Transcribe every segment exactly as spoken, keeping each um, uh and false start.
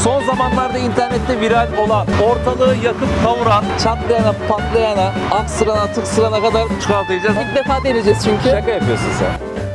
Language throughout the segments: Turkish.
son zamanlarda internette viral olan, ortalığı yakıp kavuran, çatlayana, patlayana, aksırana, tıksırana kadar çikolata yiyeceğiz. İlk defa deneyeceğiz çünkü. Şaka yapıyorsun sen.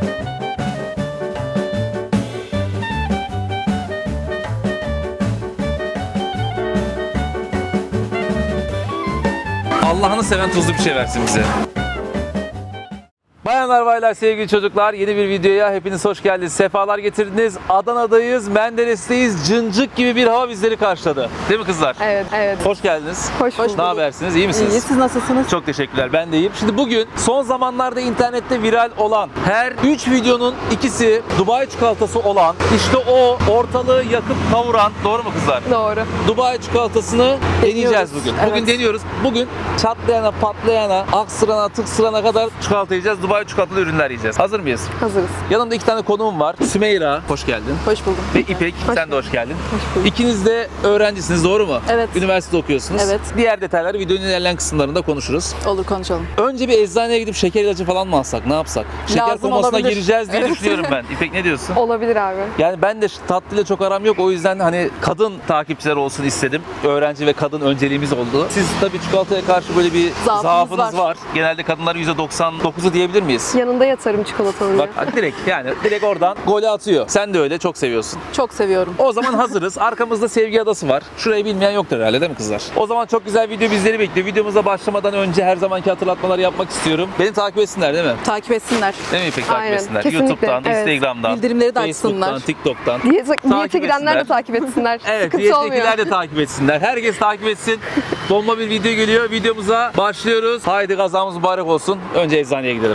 Allah'ını seven tuzlu bir şey versin bize. Bayanlar, baylar, sevgili çocuklar, yeni bir videoya hepiniz hoş geldiniz. Sefalar getirdiniz. Adana'dayız, Menderes'teyiz. Cıncık gibi bir hava bizleri karşıladı. Değil mi kızlar? Evet, evet. Hoş geldiniz. Hoş bulduk. Ne habersiniz? İyi misiniz? İyi, siz nasılsınız? Çok teşekkürler. Ben de iyiyim. Şimdi bugün son zamanlarda internette viral olan, her üç videonun ikisi Dubai çikolatası olan, işte o ortalığı yakıp kavuran, doğru mu kızlar? Doğru. Dubai çikolatasını deneyeceğiz bugün. Bugün Evet. deniyoruz. Bugün çatlayana, patlayana, aksırana, tıksırana kadar çikolata yiyeceğiz. Dubai çikolatalı ürünler yiyeceğiz. Hazır mıyız? Hazırız. Yanımda iki tane konuğum var. Sümeyra, hoş geldin. Hoş buldum. Ve İpek, Hoş sen de hoş geldin. Hoş bulduk. İkiniz de öğrencisiniz, doğru mu? Evet. Üniversitede okuyorsunuz. Evet. Diğer detayları videonun ilerleyen kısımlarında konuşuruz. Olur, konuşalım. Önce bir eczaneye gidip şeker ilacı falan mı alsak? Ne yapsak? Şeker Lazım komasına olabilir. gireceğiz diye Evet. düşünüyorum ben. İpek ne diyorsun? Olabilir abi. Yani ben de tatlıyla çok aram yok. O yüzden hani kadın takipçiler olsun istedim. Öğrenci ve kadın önceliğimiz oldu. Siz tabii çikolataya karşı böyle bir Zaafınız zaafınız var. var. Genelde kadınların yüzde doksan dokuzu diyebilir miyiz? Yanında yatarım çikolatanın. Bak direkt yani direkt oradan golü atıyor. Sen de öyle çok seviyorsun. Çok seviyorum. O zaman hazırız. Arkamızda Sevgi Adası var. Şurayı bilmeyen yoktur herhalde, değil mi kızlar? O zaman çok güzel video bizleri bekliyor. Videomuza başlamadan önce her zamanki hatırlatmaları yapmak istiyorum. Beni takip etsinler değil mi? Takip etsinler. Değil mi İpek, takip Aynen, etsinler? kesinlikle. YouTube'dan, Evet. Instagram'dan, Bildirimleri de Facebook'tan, açsınlar. TikTok'tan. Diyete, diyete Takip girenler de etsinler. takip etsinler. Evet, Sıkıntı olmuyor. diyettekiler de takip etsinler. Herkes takip etsin. Bomba bir video geliyor. Videomuza başlıyoruz. Haydi kazamız mübarek olsun. Önce eczaneye gidelim.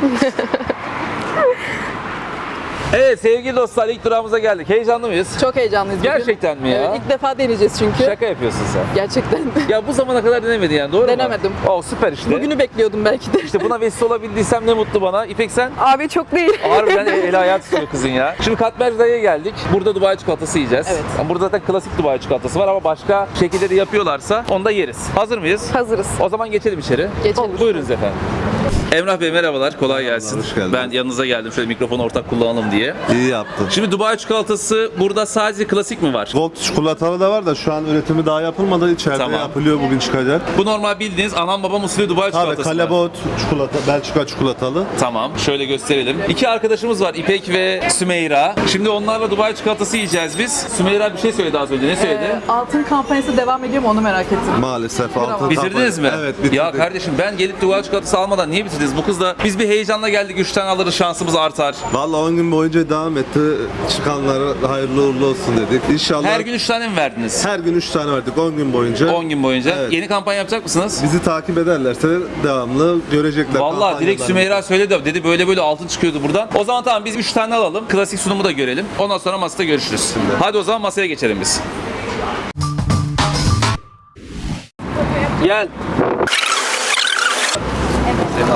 Evet sevgili dostlar, ilk durağımıza geldik. Heyecanlı mıyız? Çok heyecanlıyız bugün. Gerçekten mi ya? Evet, ilk defa deneyeceğiz çünkü. Şaka yapıyorsun sen. Gerçekten. Ya bu zamana kadar denemedin yani, doğru Denemedim. mu? Oh, süper işte. Bugünü bekliyordum belki de. İşte buna vesile olabildiysem ne mutlu bana. İpek sen? Abi çok değil. Harbiden el ayağı tutuyor kızın ya. Şimdi Katmer'da'ya geldik. Burada Dubai çikolatası yiyeceğiz. Evet. Yani burada zaten klasik Dubai çikolatası var ama başka şekilleri yapıyorlarsa onu da yeriz. Hazır mıyız? Hazırız. O zaman geçelim içeri. Geçelim. Buyurunuz efendim. Emrah Bey merhabalar, kolay gelsin. Hoş geldin. Ben yanınıza geldim şöyle mikrofonu ortak kullanalım diye. İyi yaptın. Şimdi Dubai çikolatası burada sadece klasik mi var? Gold çikolatalı da var da şu an üretimi daha yapılmadı. İçeride Tamam. yapılıyor, bugün çıkacak. Bu normal bildiğiniz anam babam usulü Dubai Tabii çikolatası mı? Kalebot çikolata, Belçika çikolatalı. Tamam, şöyle gösterelim. İki arkadaşımız var, İpek ve Sümeyra. Şimdi onlarla Dubai çikolatası yiyeceğiz biz. Sümeyra bir şey söyledi az önce, ne söyledi? Ee, altın kampanyası devam ediyor mu onu merak ettim. Maalesef altın. Bitirdiniz mi? Evet, bitirdik. Ya kardeşim ben gelip Dubai çikolatası almadan niye bitirdiniz? Bu kız da biz bir heyecanla geldik, üç tane alırız şansımız artar. Vallahi on gün boyunca devam etti. Çıkanlara hayırlı uğurlu olsun dedik. İnşallah Her gün üç tane mi verdiniz? her gün üç tane verdik on gün boyunca. on gün boyunca. Evet. Yeni kampanya yapacak mısınız? Bizi takip ederlerse devamlı görecekler. Vallahi direkt kampanyalarımızı. Sümeyra söyledi, dedi böyle böyle altın çıkıyordu buradan. O zaman tamam, biz üç tane alalım. Klasik sunumu da görelim. Ondan sonra masada görüşürüz. Hadi o zaman masaya geçelim biz. Gel. Evet.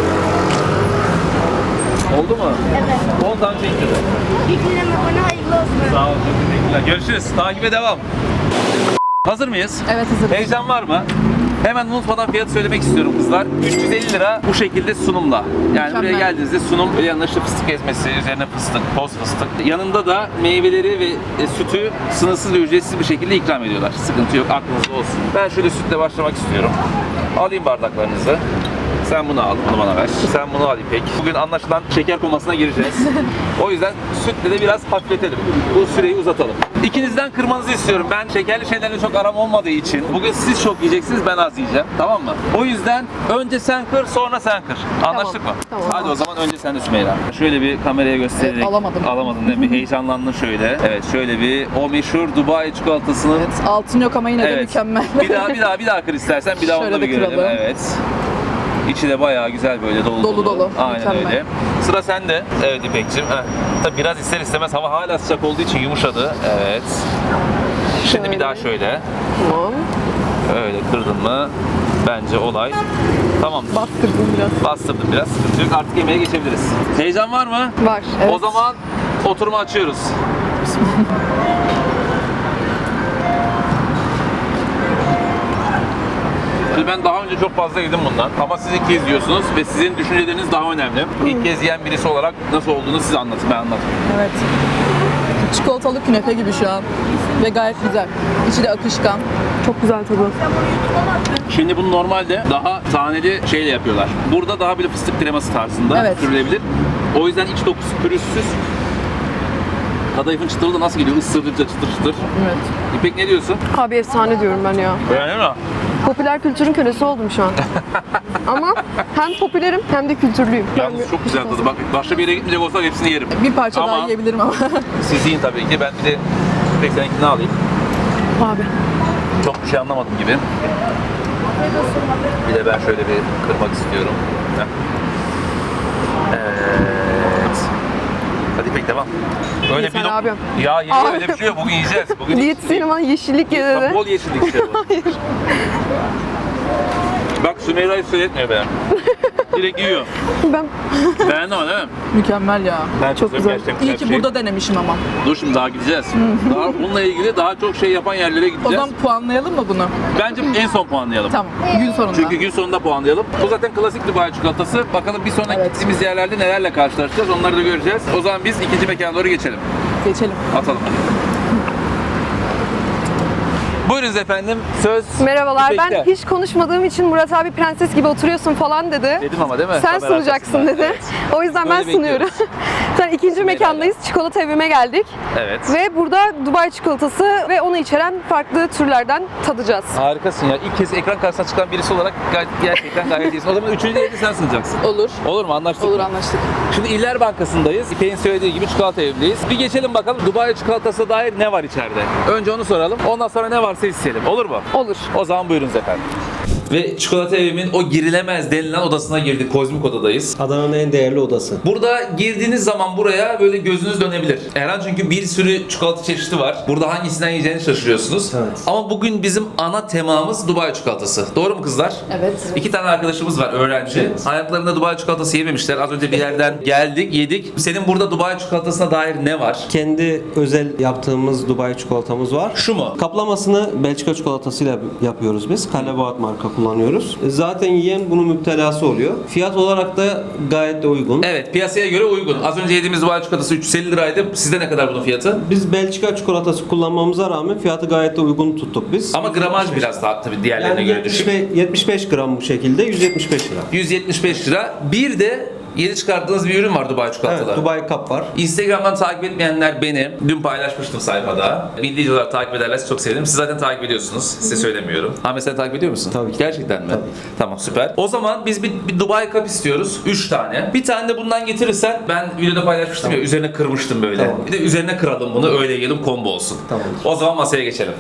Oldu mu? Evet. on tane çekti. İlk dinleme bana hayırlı olsun. Sağ olun, çok teşekkürler. Görüşürüz. Takibe devam. Hazır mıyız? Evet, hazırız. Heyecan var mı? Hemen unutmadan fiyat söylemek istiyorum kızlar. üç yüz elli lira bu şekilde sunumla. Yani buraya Mükemmel. geldiğinizde sunum, yanında işte fıstık ezmesi, üzerine fıstık, toz fıstık. Yanında da meyveleri ve e, sütü sınırsız ve ücretsiz bir şekilde ikram ediyorlar. Sıkıntı yok, aklınızda olsun. Ben şöyle sütle başlamak istiyorum. Alayım bardaklarınızı. Sen bunu al, bunu bana ver. Sen bunu al İpek. Bugün anlaşılan şeker komasına gireceğiz. O yüzden sütle de biraz hafifletelim. Bu süreyi uzatalım. İkinizden kırmanızı istiyorum. Ben şekerli şeylerle çok aram olmadığı için bugün siz çok yiyeceksiniz, ben az yiyeceğim. Tamam mı? O yüzden önce sen kır, sonra sen kır. Anlaştık Tamam, mı? tamam. Hadi o zaman önce sen de Sümeyra. Şöyle bir kameraya göstererek. Evet, alamadım. Alamadın değil mi? Heyecanlandın şöyle. Evet, şöyle bir o meşhur Dubai çikolatasını. Evet, altın yok ama yine de mükemmel. Bir daha bir daha bir daha kır istersen, bir daha Şöyle onu da bir de görelim. kıralım. Evet. İçi de bayağı güzel böyle dolu Dolu dolu, Aynen mükemmel. öyle. Sıra sende. Evet İpek'cim. Heh. Tabii biraz ister istemez hava hala sıcak olduğu için yumuşadı. Evet. Şimdi Şöyle. bir daha şöyle. Tamam. Öyle kırdın mı? Bence olay tamamdır. Bastırdım biraz. Bastırdım biraz. Sıkıntı yok. Artık yemeğe geçebiliriz. Heyecan var mı? Var. Evet. O zaman oturumu açıyoruz. Şimdi ben daha önce çok fazla yedim bundan ama siz ilk kez yiyorsunuz ve sizin düşünceleriniz daha önemli. İlk kez yiyen birisi olarak nasıl olduğunu siz anlatın, ben anlatayım. Evet. Çikolatalı künefe gibi şu an. Ve gayet güzel. İçi de akışkan. Çok güzel tadı. Şimdi bunu normalde daha taneli şeyle yapıyorlar. Burada daha böyle fıstık kreması tarzında Evet. sürülebilir. O yüzden iç dokusu pürüzsüz. Kadayıfın çıtırı da nasıl geliyor? Isırdıkça çıtır çıtır. Evet. İpek ne diyorsun? Abi efsane diyorum ben ya. Beğendin mi? Popüler kültürün kölesi oldum şu an. Ama hem popülerim hem de kültürlüyüm. Yalnız çok güzel tadı. Bak başka bir yere gitmeyecek olsak hepsini yerim. Bir parça Ama- daha yiyebilirim ama. Siz yiyin tabii ki. Ben bir de İpek seninkini alayım. Abi. Çok bir şey anlamadım gibi. Bir de ben şöyle bir kırmak istiyorum. Heh. Evet. Hadi İpek devam. Öyle Yeter bir dok- abi. Ya yeni Abi. öyle bir şey yok. Bugün yiyeceğiz. Bugün hiç- Diyetisyenim bana yeşillik ye dedi. Bol yeşillik işte bu. Bak Sümeyra hiç söyletmiyor be. Direkt yiyor. Ben Beğendin ama değil mi? Mükemmel ya. Ben Çok güzel. gerçekten İyi bir ki şey. burada denemişim ama. Dur şimdi daha gideceğiz. Daha bununla ilgili daha çok şey yapan yerlere O gideceğiz. zaman puanlayalım mı bunu? Bence en son puanlayalım. Tamam. Gün sonunda. Çünkü gün sonunda puanlayalım. Bu zaten klasik Dubai çikolatası. Bakalım bir sonraki Evet. gittiğimiz yerlerde nelerle karşılaşacağız onları da göreceğiz. O zaman biz ikinci mekana doğru geçelim. Geçelim. Atalım. Buyurunuz efendim. Söz merhabalar. İpek'te. Ben hiç konuşmadığım için Murat abi prenses gibi oturuyorsun falan dedi. Dedim ama değil mi? Sen Kamera sunacaksın arkasında. dedi. Evet. O yüzden Böyle ben sunuyorum. Sen ikinci mekandayız. Çikolata evime geldik. Evet. Ve burada Dubai çikolatası ve onu içeren farklı türlerden tadacağız. Harikasın ya. İlk kez ekran karşısına çıkan birisi olarak gayet, gerçekten gayet iyisin. O zaman üçüncü yeri sen sunacaksın. Olur. Olur mu? Anlaştık Olur mı? anlaştık. Şimdi İller Bankası'ndayız. İpek'in söylediği gibi çikolata evindeyiz. Bir geçelim bakalım Dubai çikolatasına dair ne var içeride? Önce onu soralım. Ondan sonra ne varsa isteyelim. Olur mu? Olur. O zaman buyurunuz efendim. Ve çikolata evimin o girilemez denilen odasına girdik. Kozmik odadayız. Adana'nın en değerli odası. Burada girdiğiniz zaman buraya böyle gözünüz dönebilir. Erhan çünkü bir sürü çikolata çeşidi var. Burada hangisinden yiyeceğini şaşırıyorsunuz. Evet. Ama bugün bizim ana temamız Dubai çikolatası. Doğru mu kızlar? Evet. İki tane arkadaşımız var öğrenci. Hayatlarında Dubai çikolatası yememişler. Az önce bir yerden geldik, yedik. Senin burada Dubai çikolatasına dair ne var? Kendi özel yaptığımız Dubai çikolatamız var. Şu mu? Kaplamasını Belçika çikolatasıyla yapıyoruz biz. Kalebaat marka kullanıyoruz. Zaten yiyen bunun müptelası oluyor. Fiyat olarak da gayet de uygun. Evet, piyasaya göre uygun. Az önce yediğimiz Dubai çikolatası üç yüz elli liraydı. Sizde ne kadar bunun fiyatı? Biz Belçika çikolatası kullanmamıza rağmen fiyatı gayet de uygun tuttuk biz. Ama gramaj biraz daha tabii diğerlerine yani göre yetmiş düşük. beş, yetmiş beş gram bu şekilde yüz yetmiş beş lira. yüz yetmiş beş lira. Bir de yeni çıkardığınız bir ürün var Dubai çikolatalı. Evet, Dubai Cup var. Instagram'dan takip etmeyenler beni. Dün paylaşmıştım sayfada. Bildiğiniz olarak takip ederlerse çok sevinirim. Siz zaten takip ediyorsunuz. Size söylemiyorum. Ahmet sen takip ediyor musun? Tabii ki. Gerçekten mi? Tabii. Tamam süper. O zaman biz bir, bir Dubai Cup istiyoruz. üç tane. Bir tane de bundan getirirsen ben videoda paylaşmıştım ya üzerine kırmıştım böyle. Tamam. Bir de üzerine kıralım bunu öyle yiyelim combo olsun. Tamam. O zaman masaya geçelim.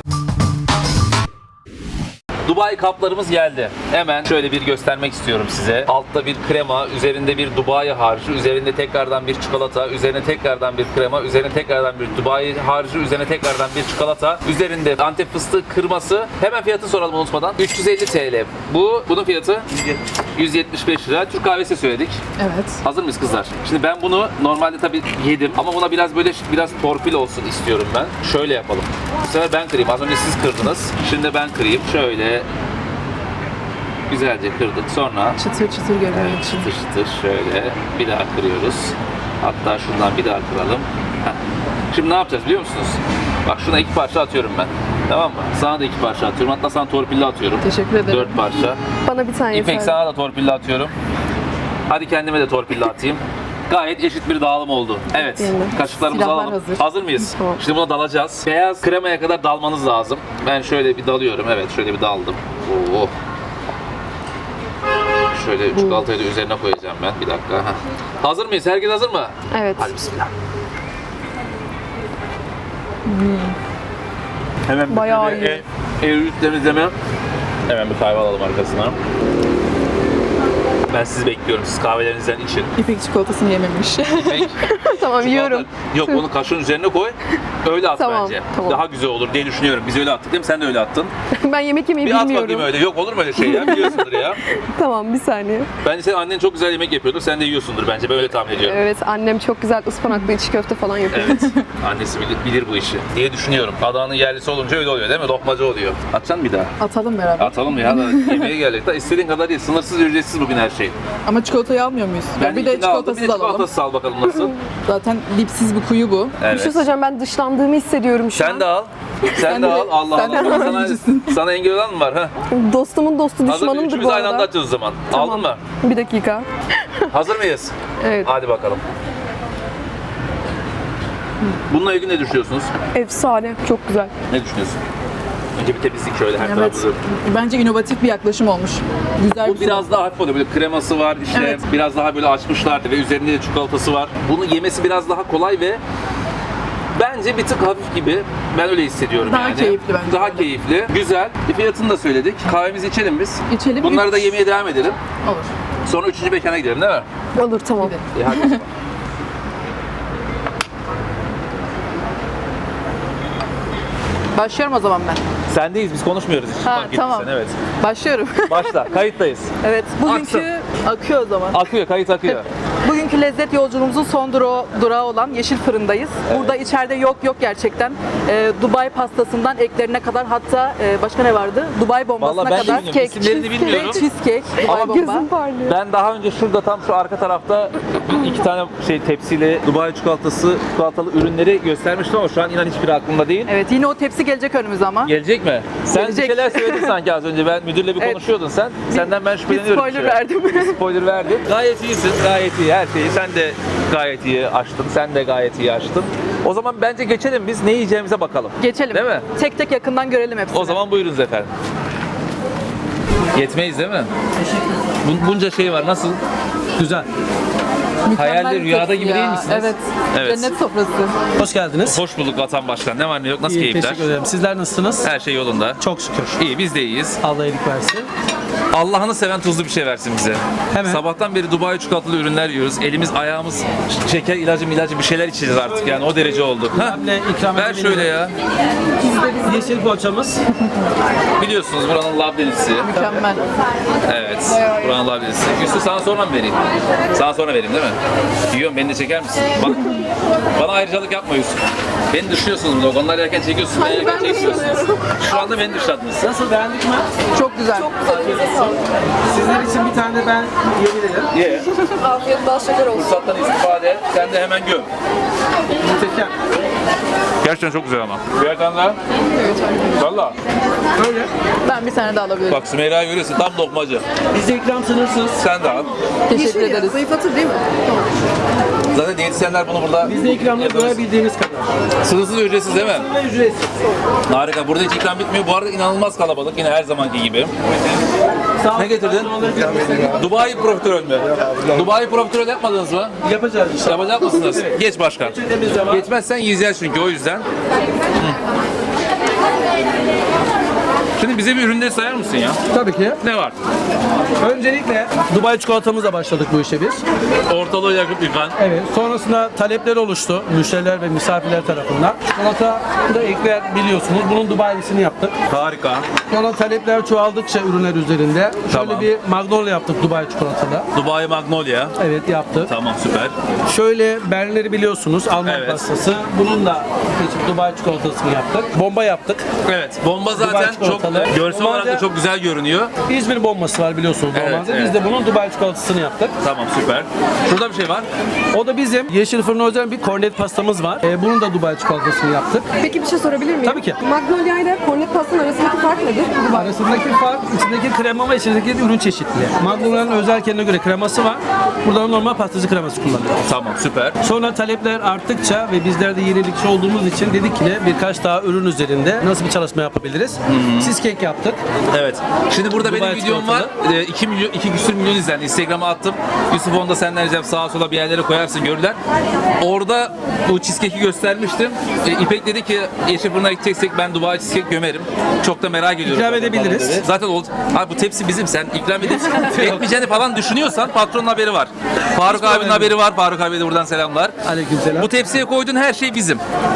Dubai kaplarımız geldi. Hemen şöyle bir göstermek istiyorum size. Altta bir krema, üzerinde bir Dubai harcı, üzerinde tekrardan bir çikolata, üzerine tekrardan bir krema, üzerine tekrardan bir Dubai harcı, üzerine tekrardan bir çikolata, üzerinde Antep fıstığı kırması. Hemen fiyatı soralım unutmadan. üç yüz elli TL. Bu, bunun fiyatı yüz yetmiş beş lira. Türk kahvesi söyledik. Evet. Hazır mıyız kızlar? Şimdi ben bunu normalde tabii yedim ama buna biraz böyle biraz torpil olsun istiyorum ben. Şöyle yapalım. Bu sefer ben kırayım. Az önce siz kırdınız. Şimdi ben kırayım. Şöyle güzelce kırdık. Sonra Çıtır çıtır görünüyor evet, için. çıtır çıtır şöyle bir daha kırıyoruz. Hatta şundan bir daha kıralım. Heh. Şimdi ne yapacağız biliyor musunuz? Bak şuna iki parça atıyorum ben. Tamam mı? Sana da iki parça atıyorum. Hatta sana torpilli atıyorum. Teşekkür ederim. Dört parça. Bana bir tane İpek yeter. sana da torpilli atıyorum. Hadi kendime de torpilli atayım. Gayet eşit bir dağılım oldu. Evet. Değil mi? Kaşıklarımızı Silahlar alalım. hazır. Hazır mıyız? Tamam. Şimdi buna dalacağız. Beyaz kremaya kadar dalmanız lazım. Ben şöyle bir dalıyorum. Evet, şöyle bir daldım. Oo. Şöyle çikolatayı da üzerine koyacağım ben. Bir dakika. Heh. Hazır mıyız? Herkes hazır mı? Evet. Hadi bismillah. Hemen bir Bayağı şöyle iyi. ev, ev temizleme. Hemen bir kahve alalım arkasına. Ben sizi bekliyorum. Siz kahvelerinizden için. İpek çikolatasını yememiş. Peki. Tamam yiyorum. Yok onu kaşığın üzerine koy. Öyle at Tamam, bence. tamam. Daha güzel olur diye düşünüyorum. Biz öyle attık değil mi? Sen de öyle attın. Ben yemek yemeyi Bir at bilmiyorum. bakayım öyle. Yok olur mu öyle şey ya? Biliyorsundur ya. Tamam bir saniye. Bence senin annen çok güzel yemek yapıyordur. Sen de yiyorsundur bence. Ben öyle tahmin ediyorum. Evet annem çok güzel ıspanaklı içi köfte falan yapıyor. Evet. Annesi bilir, bilir bu işi diye düşünüyorum. Adana'nın yerlisi olunca öyle oluyor değil mi? Lokmacı oluyor. Atacaksın bir daha. Atalım beraber. Atalım ya da yemeğe geldik. Da istediğin kadar değil. Sınırsız ücretsiz bugün her şey. okey. Ama çikolatayı almıyor muyuz? Ben bir de ilkini aldım, bir çikolatasız de alalım. çikolatasız al bakalım nasıl. Zaten dipsiz bir kuyu bu. Bir Evet. şey söyleyeceğim, ben dışlandığımı hissediyorum şu an. Sen de al. Sen, Sen de de- al. Allah sen de Allah. Sana, yiyicisin. sana engel olan mı var? Ha? Dostumun dostu Hazır düşmanımdır üçümüz bu aynı anda arada. atıyoruz o zaman. Tamam. Aldın mı? Bir dakika. Hazır mıyız? Evet. Hadi bakalım. Bununla ilgili ne düşünüyorsunuz? Efsane. Çok güzel. Ne düşünüyorsun? Önce bir temizlik şöyle her Evet. tarafımızı. Bence inovatif bir yaklaşım olmuş. Güzel Bu bir biraz daha hafif oluyor. Böyle kreması var, işte Evet. biraz daha böyle açmışlardı ve üzerinde de çikolatası var. Bunu yemesi biraz daha kolay ve bence bir tık hafif gibi. Ben öyle hissediyorum Daha yani. keyifli bence. Daha keyifli. Güzel. E, fiyatını da söyledik. Kahvemizi içelim biz. İçelim. Bunları üç- da yemeye devam edelim. Olur. Sonra üçüncü mekana gidelim değil mi? Olur, tamam. Gidelim. E, hadi o zaman. Başlıyorum o zaman ben. Sendeyiz, biz konuşmuyoruz hiç. Ha, Fark tamam. ettiysen, evet. Başlıyorum. Başla, kayıttayız. Evet. Bugünkü akıyor o zaman. Akıyor, kayıt akıyor. Bugünkü lezzet yolculuğumuzun son durağı, durağı olan Yeşil Fırın'dayız. Burada içeride yok yok gerçekten. Ee, Dubai pastasından eklerine kadar, hatta e, başka ne vardı? Dubai bombasına Vallahi ben de kadar. bilmiyorum, isimlerini bilmiyorum. Ve cheesecake, Dubai Ama bomba. Gözüm parlıyor. Ben daha önce şurada tam şu arka tarafta iki tane şey tepsiyle Dubai çikolatası, çikolatalı ürünleri göstermiştim ama şu an inan hiçbiri aklımda değil. Evet, yine o tepsi gelecek önümüze ama. Gelecek mi? Sen Gelecek. bir şeyler söyledin sanki az önce. Ben müdürle bir Evet. konuşuyordun sen. Senden ben Bir şüpheleniyorum. spoiler bir şey. verdim. Bir spoiler verdim. Gayet iyisin. Gayet iyi her şeyi. Sen de gayet iyi açtın. Sen de gayet iyi açtın. O zaman bence geçelim biz ne yiyeceğimize bakalım. Geçelim. Değil mi? Tek tek yakından görelim hepsini. O zaman buyurunuz efendim. Yetmeyiz değil mi? Bun- bunca şey var. Nasıl? Güzel. Mükemmel hayalde, bir rüyada tepsi gibi ya. değil misiniz? Evet. Evet. Cennet sofrası. Hoş geldiniz. Hoş bulduk Vatan Başkan. Ne var ne yok? Nasıl İyi, keyifler? teşekkür ederim. Sizler nasılsınız? Her şey yolunda. Çok şükür. İyi, biz de iyiyiz. Allah iyilik versin. Allah'ını seven tuzlu bir şey versin bize. Hemen. Sabahtan beri Dubai çikolatalı ürünler yiyoruz. Elimiz ayağımız ş- şeker ilacı ilacı bir şeyler içeceğiz artık yani o derece oldu. Ha? Önemli ikram Ver edebilirim. şöyle ya. Yeşil poğaçamız. Biliyorsunuz buranın labdelisi. Mükemmel. Evet. Buranın labdelisi. Üstü sana sonra mı vereyim? Sana sonra vereyim değil mi? Yiyorum beni de çeker misin? Bak. Bana ayrıcalık yapma Yusuf. Beni dışlıyorsunuz burada. Onlar yerken çekiyorsunuz. Ben yerken çekiyorsunuz. Şu anda beni dışladınız. Nasıl, beğendik mi? Çok güzel. Sizler için bir tane de ben yiyebilirim. Ye. Afiyet bal şeker olsun. Fırsattan istifade et. Sen de hemen göm. Muhteşem. Gerçekten çok güzel ama. Bir tane daha. Valla. Öyle. Ben bir tane daha alabilirim. Bak Sümeyra'yı görüyorsun tam lokmacı. Bizde ikram sınırsız. Sen de al. Teşekkür ederiz. Zayıflatır değil mi? Zaten diyetisyenler bunu burada Bizde ikramlar doyabildiğiniz kadar. sınırsız ücretsiz değil mi? Ve ücretsiz. Harika. Burada hiç ikram bitmiyor. Bu arada inanılmaz kalabalık. Yine her zamanki gibi. Sağ olun. Ne getirdin? Dubai profiterol mü? Dubai profiterol yapmadınız mı? Yapacağız inşallah. Yapacak mısınız? Geç başkan. Geçirdiğimiz zaman Geçmezsen yiyeceğiz çünkü o yüzden. Hı. Şimdi bize bir ürünleri sayar mısın ya? tabii ki. Ne var? Öncelikle Dubai çikolatamızla başladık bu işe biz. Ortalığı yakıp yıkan. Evet. Sonrasında talepler oluştu müşteriler ve misafirler tarafından. Çikolata da ekler biliyorsunuz. Bunun Dubai'lisini yaptık. Harika. Sonra talepler çoğaldıkça ürünler üzerinde. Tamam. Şöyle bir Magnolia yaptık Dubai çikolatada. Dubai Magnolia. Evet, yaptık. Tamam süper. Şöyle Berlinleri biliyorsunuz, Alman Evet. pastası. Bunun da geçip Dubai çikolatasını yaptık. Bomba yaptık. Evet. Bomba Dubai zaten çok çikolatalı. görsel olarak da Normalde- çok güzel görünüyor. İzmir bombası var biliyorsunuz Evet, normalde. evet. Biz de bunun Dubai çikolatasını yaptık. Tamam süper. Şurada bir şey var. O da bizim Yeşil Fırın özel bir kornet pastamız var. Ee, bunun da Dubai çikolatasını yaptık. Peki bir şey sorabilir miyim? Tabii ki. Magnolia ile kornet pastanın arasındaki fark nedir? Arasındaki fark içindeki krema ve içindeki ürün çeşitliliği. Magnolia'nın özel kendine göre kreması var. Burada normal pastacı kreması kullanıyoruz. Tamam süper. Sonra talepler arttıkça ve bizler de yenilikçi olduğumuz için dedik ki ne, birkaç daha ürün üzerinde nasıl bir çalışma yapabiliriz? Cheesecake yaptık. Evet. Şimdi burada Dubai benim videom var. iki milyon, iki küsür milyon izlendi. Instagram'a attım. Yusuf onu da senden ricam sağa sola bir yerlere koyarsın görürler. Orada bu cheesecake'i göstermiştim. E, İpek dedi ki Yeşil Fırın'a gideceksek ben Dubai cheesecake gömerim. Çok da merak ediyorum. İkram falan edebiliriz. dedi. Zaten oldu. Abi bu tepsi bizim. Sen ikram edip etmeyeceğini falan düşünüyorsan patronun haberi var. Faruk abinin haberi var. Faruk abi de buradan selamlar. Aleykümselam. Bu tepsiye koyduğun her şey bizim. Hiç sorun Kaç yok.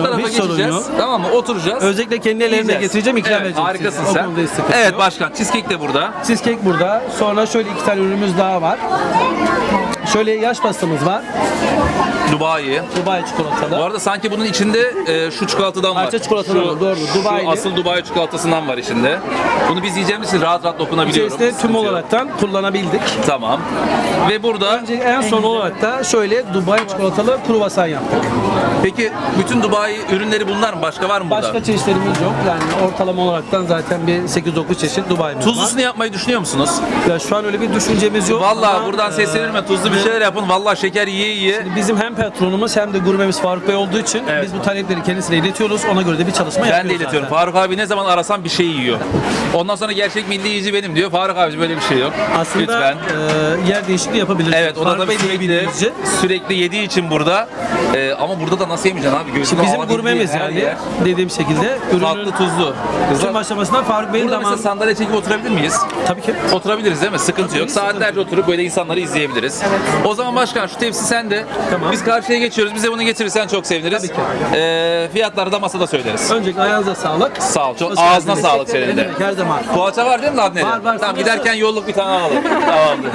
tarafa Hiç sorun geçeceğiz. yok. Tamam mı? Oturacağız. Özellikle kendi ellerimle Yiyeceğiz. getireceğim, ikram Evet, edeceğim. harikasın size. O sen. konuda hiç sıkıntı Evet yok. başkan, cheesecake de burada. Cheesecake burada. Sonra şöyle iki tane ürünümüz daha var. Şöyle yaş pastamız var. Dubai. Dubai çikolatalı. Bu arada sanki bunun içinde e, şu çikolatadan var. Parça çikolatadan Şu- var, doğru. Şu Dubai'li. asıl Dubai çikolatasından var içinde. Bunu biz yiyeceğimiz için rahat rahat dokunabiliyorum. İçerisinde tüm Sıkıntı yok. olaraktan kullanabildik. Tamam. Ve burada Önce en son olarak da şöyle Dubai çikolatalı kruvasan yaptık. peki bütün Dubai ürünleri bunlar mı? Başka var mı burada? Başka çeşitlerimiz yok. Yani ortalama olaraktan zaten bir sekiz dokuz çeşit Dubai'miz var. Tuzlusunu yapmayı düşünüyor musunuz? Ya şu an öyle bir düşüncemiz yok. Vallahi ama, buradan e, seslenirme, tuzlu bir şeyler yapın. Vallahi şeker yiye yiye. Bizim hem patronumuz hem de gurmemiz Faruk Bey olduğu için Evet. biz bu talepleri kendisine iletiyoruz. Ona göre de bir çalışma yapıyoruz. Ben de iletiyorum. zaten. Faruk abi ne zaman arasam bir şey yiyor. Ondan sonra gerçek milli yiyici benim diyor. Faruk abi böyle bir şey yok. Aslında Lütfen. e, yer değişikliği yapabiliriz. Evet, o da Faruk tabii Bey de sürekli, bildiğinizce. sürekli yediği için burada. Ee, ama burada da nasıl yemeyeceksin abi? Gözünü Bizim alabildiği gurmemiz her yani yer. dediğim şekilde Tatlı, ürünün tuzlu. Kızlar, tüm aşamasında Faruk Bey'in burada mesela zaman sandalye çekip oturabilir miyiz? tabii ki Oturabiliriz değil mi? Sıkıntı yok. Saatlerce oturup böyle insanları izleyebiliriz. O zaman başkan şu tepsi sende. Tamam. Biz karşıya geçiyoruz. Bize bunu getirirsen çok seviniriz. Tabii ki. Ee, fiyatları da masada söyleriz. öncelikle ayağınıza sağlık. Sağ ol. Çok, Hoş ağzına geldiniz. sağlık senin Ne de. demek, her zaman. Poğaça var değil mi Adneli? Var, var. Tamam giderken yolluk bir tane alalım. Tamamdır.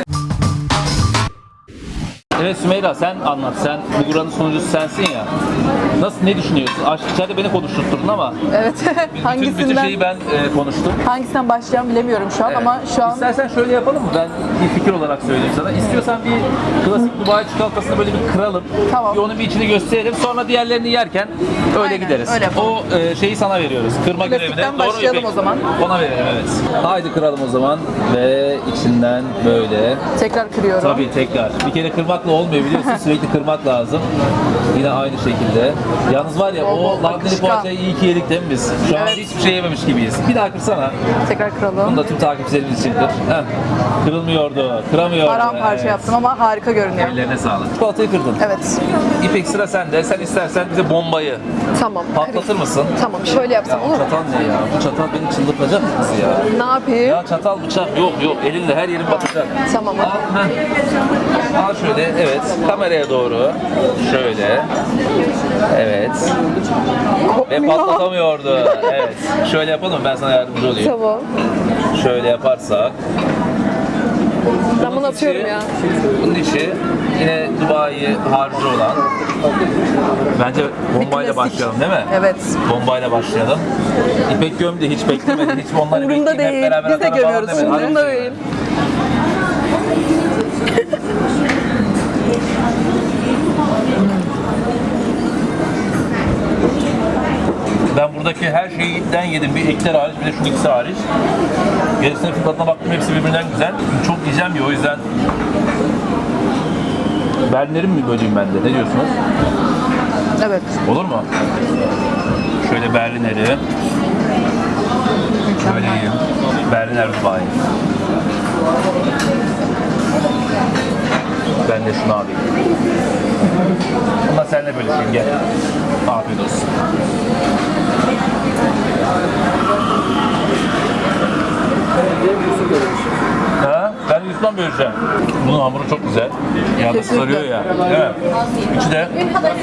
Evet Sümeyra sen anlat. Sen bu buranın sunucusu sensin ya. Nasıl, ne düşünüyorsun? Aşk içeride beni konuşturtturdun ama Evet. bütün, bütün hangisinden şeyi ben e, konuştum. hangisinden başlayacağım bilemiyorum şu an Evet. ama şu an İstersen şöyle yapalım mı? Ben bir fikir olarak söyleyeyim sana. İstiyorsan bir klasik Dubai çikolatasını böyle bir kıralım. Tamam. Bir onun bir içini gösterelim. Sonra diğerlerini yerken öyle Aynen, gideriz. öyle yapalım. O e, şeyi sana veriyoruz. Kırma Klasikten görevine. Doğru mu başlayalım İpek? o zaman. Ona verelim evet. Haydi kıralım o zaman. Ve içinden böyle. tekrar kırıyorum. Tabii tekrar. Bir kere kırmakla olmuyor biliyorsun. Sürekli kırmak lazım. Yine aynı şekilde. Yalnız var ya Bol bol o labneli akışkan. poğaçayı iyi ki yedik değil mi biz? Şu an Evet. hiçbir şey yememiş gibiyiz. Bir daha kırsana. Tekrar Bunu kıralım. da tüm takipçilerimiz için kır. Heh. Kırılmıyordu, kıramıyordu. Paramparça Evet. yaptım ama harika görünüyor. Ellerine sağlık. Çikolatayı kırdın. Evet. İpek sıra sende. Sen istersen bize bombayı Tamam. patlatır mısın? Tamam şöyle Ya yapsam bu olur mu? çatal ne ya? Bu çatal beni çıldırtacak mı kız ya? Ne yapayım? Ya çatal bıçak yok yok. Elinle her yerin batacak. Tamam. Al, heh. Al şöyle, evet. Kameraya doğru. Şöyle. Evet. Ve patlatamıyordu. Evet. Şöyle yapalım, ben sana yardımcı olayım. Tamam. Şöyle yaparsak. Ben bunu atıyorum ya. Bunun içi yine Dubai harcı olan. Bence bombayla klasik. başlayalım değil mi? Evet. Bombayla başlayalım. İpek gömdü, hiç beklemedi. Hiç onları Umurumda bekleyeyim, değil. hep beraber Biz de atalım falan gömüyoruz. demedi. Hadi Umurumda gidelim. değil. Ben buradaki her şeyden yedim. Bir ekler hariç, bir de şu ikisi hariç. Gerisine fiyatına baktım, hepsi birbirinden güzel. Çok yiyeceğim ya, o yüzden. Berlinlerin mi böleyim ben de? Ne diyorsunuz? Evet. Olur mu? Şöyle Berlineri. Şöyle yiyeyim. Berliner Dubai. Ben de şunu alayım. Bunlar seninle bölüşeyim, gel. Afiyet olsun. Ha? Ben Yusuf'tan böleceğim. Bunun hamuru çok güzel. Ya da sarıyor ya. Değil mi? İçi de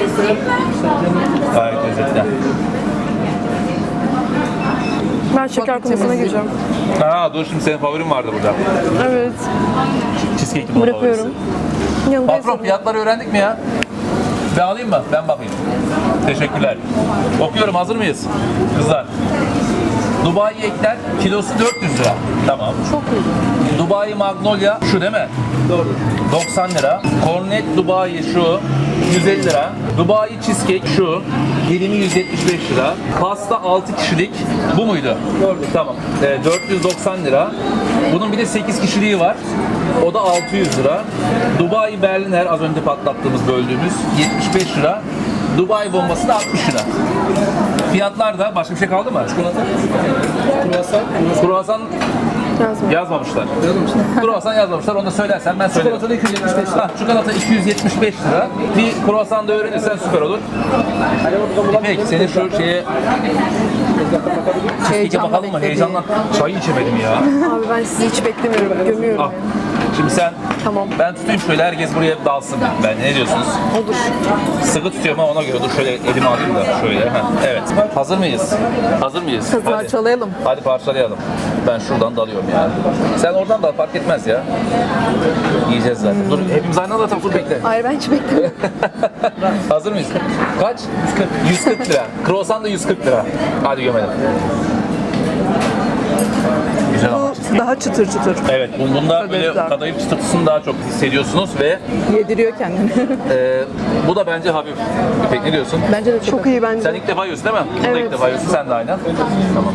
gayet lezzetli. Ben şeker konusuna gireceğim. Ha dur, şimdi senin favorin vardı burada. Evet. Cheesecake'li bunun Bırakıyorum. favorisi. Yanında Patron fiyatları öğrendik mi ya? Ben alayım mı? Ben bakayım. Teşekkürler. Okuyorum, hazır mıyız? Kızlar. Dubai ekler kilosu dört yüz lira. Tamam. Çok iyi. Dubai Magnolia şu değil mi? Doğru. doksan lira. Cornet Dubai şu yüz elli lira. Dubai Cheesecake şu dilimi yüz yetmiş beş lira. Pasta altı kişilik bu muydu? Doğru. Tamam. Ee, dört yüz doksan lira. Bunun bir de sekiz kişiliği var. O da altı yüz lira. Dubai Berliner az önce patlattığımız, böldüğümüz yetmiş beş lira. Dubai bombası da altmış lira. Fiyatlar da başka bir şey kaldı mı? Çikolata. Kruvasan. Kruvasan Yazma. yazmamışlar. Kruvasan yazmamışlar. Onu da söylersen ben söylerim. Çikolata iki yüz yetmiş beş lira. Çikolata iki yüz yetmiş beş lira. Bir kruvasan da öğrenirsen süper olur. İpek senin şu şeye cheesecake'e bakalım mı? Heyecandan çayı içemedim ya. Abi ben sizi hiç beklemiyorum. Gömüyorum. Ah. Şimdi sen, Tamam. ben tutayım şöyle, herkes buraya dalsın. Ben ne diyorsunuz? Olur. Sıkı tutuyorum ama ona göre dur şöyle elimi alayım da şöyle. Heh, evet. Hazır mıyız? Hazır mıyız? Hadi. Parçalayalım. Hadi parçalayalım. Ben şuradan dalıyorum yani. Sen oradan dal, fark etmez ya. Yiyeceğiz zaten. Dur hepimiz aynı anda atalım, dur bekle. Hayır ben hiç beklemiyorum. Hazır mıyız? Kaç? yüz kırk lira. Croissant da yüz kırk lira. Hadi gömelim. Güzel ama. Daha çıtır çıtır. Evet, bu- bunda Tabii, böyle güzel. kadayıf çıtırtısını daha çok hissediyorsunuz ve Yediriyor kendini. e, bu da bence hafif. İpek ne diyorsun? Bence de çok, Çok iyi bence. Sen ilk defa yiyorsun değil mi? Bunu da Evet. ilk defa yiyorsun, sen de aynen. Tamam.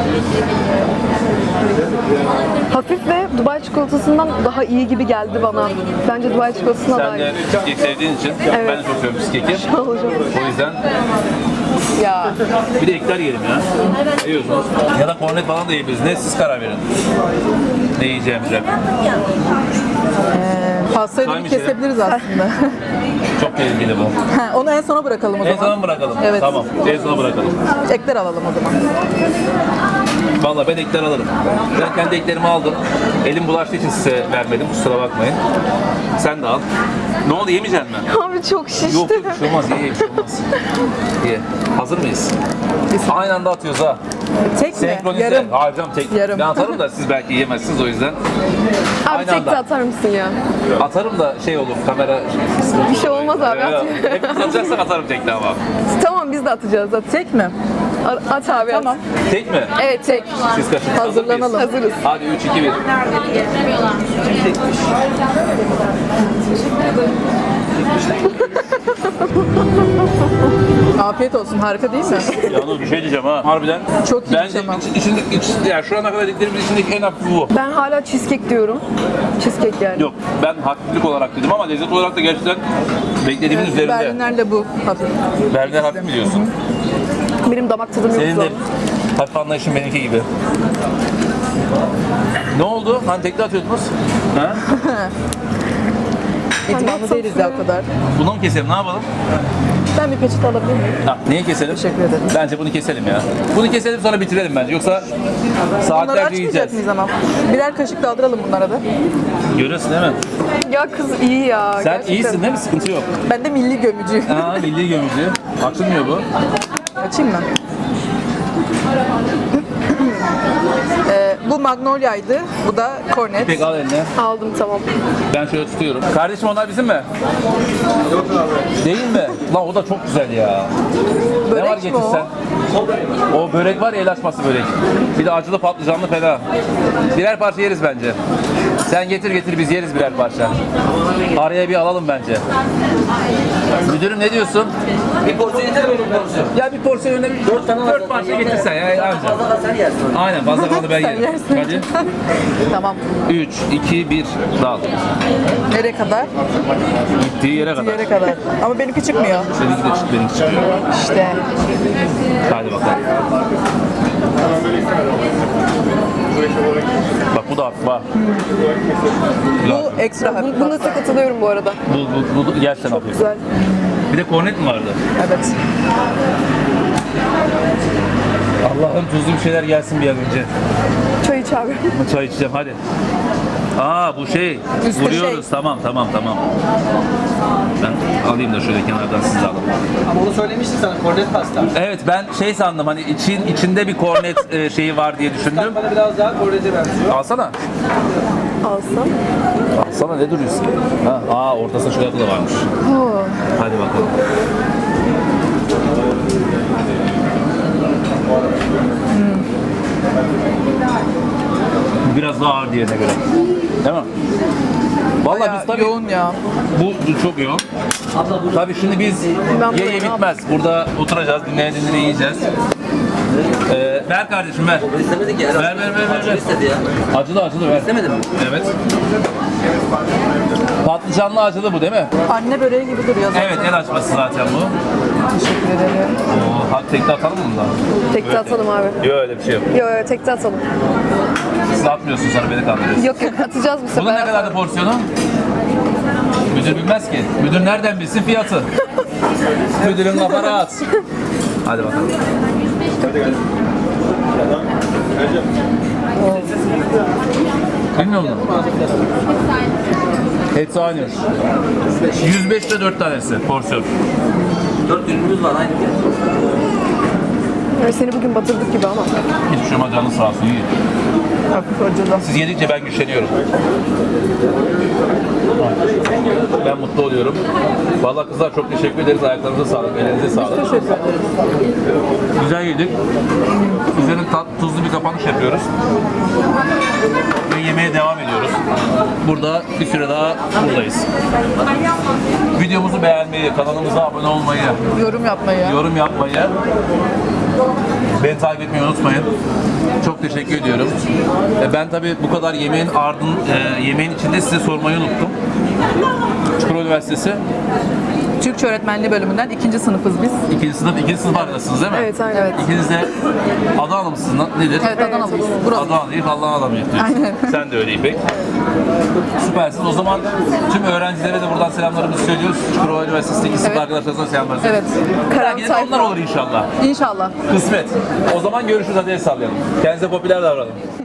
Hafif ve Dubai çikolatasından daha iyi gibi geldi bana. Bence Dubai çikolatasından daha Sen iyi. de cheesecake sevdiğin için Evet. ben de çok seviyorum cheesecake'i. Olacak. O yüzden Ya. bir de ekler yiyelim ya. Ne yiyorsunuz? Ya da kornet falan da yiyebiliriz. Ne siz karar verin. Ne yiyeceğimize. Pastayı da Hangi bir şey? kesebiliriz aslında. Çok tehlikeli bu. Ha, onu en sona bırakalım o En zaman. sona mı bırakalım? Evet. Tamam. En sona bırakalım. Ekler alalım o zaman. Vallahi ben ekler alırım. Ben kendi eklerimi aldım. Elim bulaştığı için size vermedim. Kusura bakmayın. Sen de al. Ne oldu, yemeyecek misin? Abi çok şişti. Yok yok, bir şey olmaz. Ye, ye, bir şey olmaz. Ye. Hazır mıyız? Aynı anda atıyoruz ha. Tek mi? Senkronize. Yarım. Hayır canım, tek. Yarım. Ben atarım da siz belki yiyemezsiniz, o yüzden. Abi Aynı tek de anda. atar mısın ya? Atarım da şey olur, kamera... Bir şey olmaz abi, Evet, at. hepimiz atacaksak atarım tekli ama. Tamam biz de atacağız. At, Tek mi? at abi at. Tamam. Tek mi? Evet tek. Siz kaçın. Hazır mıyız? Hazırlanalım. Hazırız. Hadi üç, iki, bir. Afiyet olsun. Harika değil mi? Yalnız bir şey diyeceğim ha. Harbiden. Çok iyi Bence tamam. iç, içinde, iç, yani şu ana kadar dediklerimizin içindeki en hafif bu. Ben hala cheesecake diyorum. Cheesecake yani. Yok, ben hafiflik olarak dedim ama lezzet olarak da gerçekten beklediğimin üzerinde. Berliner'le bu hafif. Berliner hafif mi diyorsun? Benim damak tadım Senin yoktu. de hafif anlayışın benimki gibi. Ne oldu? Hani tekli atıyordunuz? Ha? İdmanlı değiliz ya o kadar. Bunu mu keselim? Ne yapalım? Ben bir peçete alabilir miyim? Ha, neyi keselim? Teşekkür ederim. Bence bunu keselim ya. Bunu keselim sonra bitirelim bence. Yoksa Bunları saatlerce açmayacak yiyeceğiz. mıyız ama? Birer kaşık daldıralım bunlara da. Görüyorsun değil mi? Ya kız iyi ya. Sen gerçekten. iyisin değil mi? Sıkıntı yok. Ben de milli gömücüyüm. Aa, milli gömücü. Açılmıyor bu. Açayım mı? Ee, bu Magnolia'ydı. Bu da Cornet. Pek al eline. Aldım tamam. Ben şöyle tutuyorum. Kardeşim onlar bizim mi? Yok abi. Değil mi? Lan o da çok güzel ya. Börek ne var mi getirsen? O börek var ya, el açması börek. Bir de acılı patlıcanlı fena. Birer parça yeriz bence. Sen getir getir biz yeriz birer parça. Araya bir alalım bence. Müdürüm ne diyorsun? Bir porsiyon yeter mi bir porsiyon? Ya bir porsiyon önüne bir dört, tane dört var. parça getirsen ya anca. Fazla sen yersin. Aynen, fazla kalanı ben Sen yerim. yersin. Hadi. Tamam. üç, iki, bir, dal. Nereye kadar? Gittiği yere kadar. Yere kadar. Ama benimki çıkmıyor. Seninki de çık, benimki çıkıyor. İşte. Hadi bakalım. Bak bu da hafif bak. Bu ekstra hafif. Buna size katılıyorum bu arada. Bu, bu, bu gerçekten hafif. Güzel. Bir de kornet mi vardı? Evet. Allah'ım tuzlu bir şeyler gelsin bir an önce. Çay iç abi. Çay içeceğim hadi. Aa bu şey. Üstü Vuruyoruz. şey. Tamam tamam tamam. Ben alayım da şöyle kenardan siz de alın. Ama onu söylemiştim sana, kornet pasta. Evet ben şey sandım, hani için içinde bir kornet e, şeyi var diye düşündüm. Bana biraz daha kornete benziyor. Alsana. Alsam. Alsana, ne duruyorsun? Ha, aa ortasında çikolata da varmış. Hadi bakalım. Biraz daha ağır diğerine göre. Değil mi? Vallahi Bayağı biz tabii yoğun ya. bu, bu çok yoğun. Tabii şimdi biz Ben ye ye bunu bitmez. Burada oturacağız, dinleye dinleye yiyeceğiz. Ee, ver kardeşim ver. İstemedik ya. Ver ver ver ver. ver. İstedi ya. Acılı acılı ver. İstemedin mi? Evet. Patlıcanlı acılı bu değil mi? Anne böreği gibi duruyor zaten. Evet, el açması zaten bu. Teşekkür ederim. Oo, hadi tekte atalım mı bundan? Tekte atalım abi. Yok öyle bir şey yok. Yok yok tekte atalım. Siz atmıyorsun, sonra beni kandırıyorsun. Yok yok atacağız bu sefer. Bunun ne kadardı porsiyonu? Müdür bilmez ki. Müdür nereden bilsin fiyatı? Müdürün kafa rahat. Hadi bakalım. Bilmiyor musun? Hepsi aynı. yüz beş lira dört tanesi porsiyon. Dört ürünümüz var aynı fiyat. Yani seni bugün batırdık gibi ama. Hiçbir şey olmaz, canı sağ olsun. İyi. Hafif acılı. Siz yedikçe ben güçleniyorum. Ben mutlu oluyorum. Vallahi kızlar çok teşekkür ederiz. Ayaklarınıza sağlık, elinize sağlık. Teşekkür ederim. Güzel yedik. Üzerine tat, tuzlu bir kapanış yapıyoruz. Ve yemeğe devam ediyoruz. Burada bir süre daha buradayız. Videomuzu beğenmeyi, kanalımıza abone olmayı, Yorum yapmayı. yorum yapmayı, beni takip etmeyi unutmayın. Çok teşekkür ediyorum. E, Ben tabii bu kadar yemeğin ardın, e, yemeğin içinde size sormayı unuttum. Çukurova Üniversitesi Türkçe öğretmenliği bölümünden ikinci sınıfız biz. ikinci sınıf, ikinci sınıf arkadaşsınız değil mi? Evet, aynen. Evet. İkiniz de Adana mısınız? Nedir? Evet, Adanalıyız. Buralı. Adanalıyız, Allah'ın adamıyız diyorsun. Aynen. Sen de öyle İpek. Süpersin. O zaman tüm öğrencilere de buradan selamlarımızı söylüyoruz. Çukurova Üniversitesi'ndeki sınıf Evet. arkadaşlarımıza selamlar Evet. söylüyoruz. Karan Belki de onlar sayfa. olur inşallah. İnşallah. Kısmet. O zaman görüşürüz. Hadi el sallayalım. Kendinize popüler davranın.